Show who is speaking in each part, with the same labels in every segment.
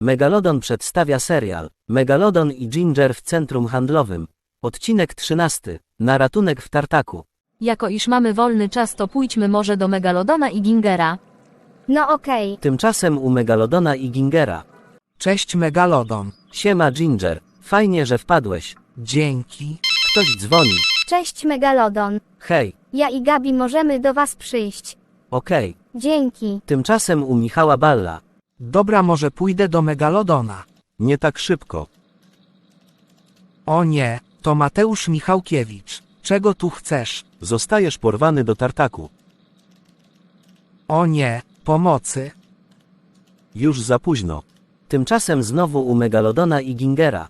Speaker 1: Megalodon przedstawia serial Megalodon i Ginger w centrum handlowym. Odcinek 13. Na ratunek w tartaku.
Speaker 2: Jako iż mamy wolny czas, to pójdźmy może do Megalodona i Gingera.
Speaker 3: No okej.
Speaker 1: Tymczasem u Megalodona i Gingera.
Speaker 4: Cześć Megalodon.
Speaker 1: Siema Ginger, fajnie, że wpadłeś.
Speaker 4: Dzięki.
Speaker 1: Ktoś dzwoni.
Speaker 3: Cześć Megalodon.
Speaker 1: Hej,
Speaker 3: Ja i Gabi możemy do was przyjść.
Speaker 1: okej.
Speaker 3: Dzięki.
Speaker 1: Tymczasem u Michała Balla.
Speaker 4: Dobra, może pójdę do Megalodona.
Speaker 5: Nie tak szybko.
Speaker 4: O nie, to Mateusz Michałkiewicz. Czego tu chcesz?
Speaker 5: Zostajesz porwany do tartaku.
Speaker 4: O nie, pomocy.
Speaker 5: Już za późno.
Speaker 1: Tymczasem znowu u Megalodona i Gingera.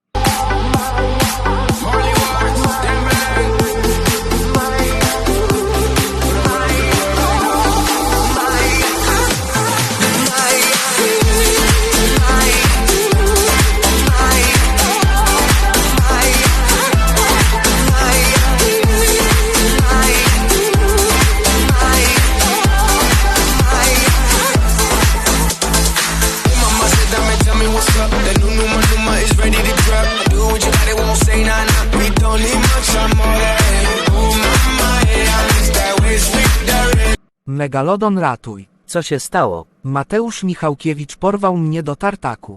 Speaker 4: Megalodon ratuj.
Speaker 1: Co się stało?
Speaker 4: Mateusz Michałkiewicz porwał mnie do tartaku.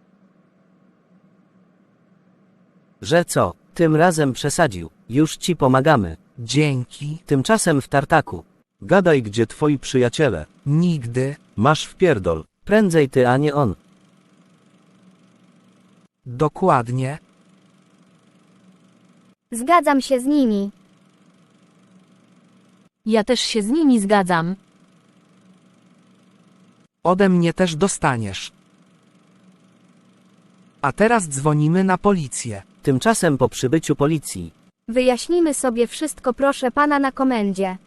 Speaker 1: Że co? Tym razem przesadził. Już ci pomagamy.
Speaker 4: Dzięki.
Speaker 1: Tymczasem w tartaku.
Speaker 5: Gadaj, gdzie twoi przyjaciele.
Speaker 4: Nigdy.
Speaker 5: Masz wpierdol.
Speaker 1: Prędzej ty, a nie on.
Speaker 4: Dokładnie.
Speaker 3: Zgadzam się z nimi.
Speaker 2: Ja też się z nimi zgadzam.
Speaker 4: Ode mnie też dostaniesz. A teraz dzwonimy na policję.
Speaker 1: Tymczasem po przybyciu policji.
Speaker 3: Wyjaśnimy sobie wszystko, proszę pana, na komendzie.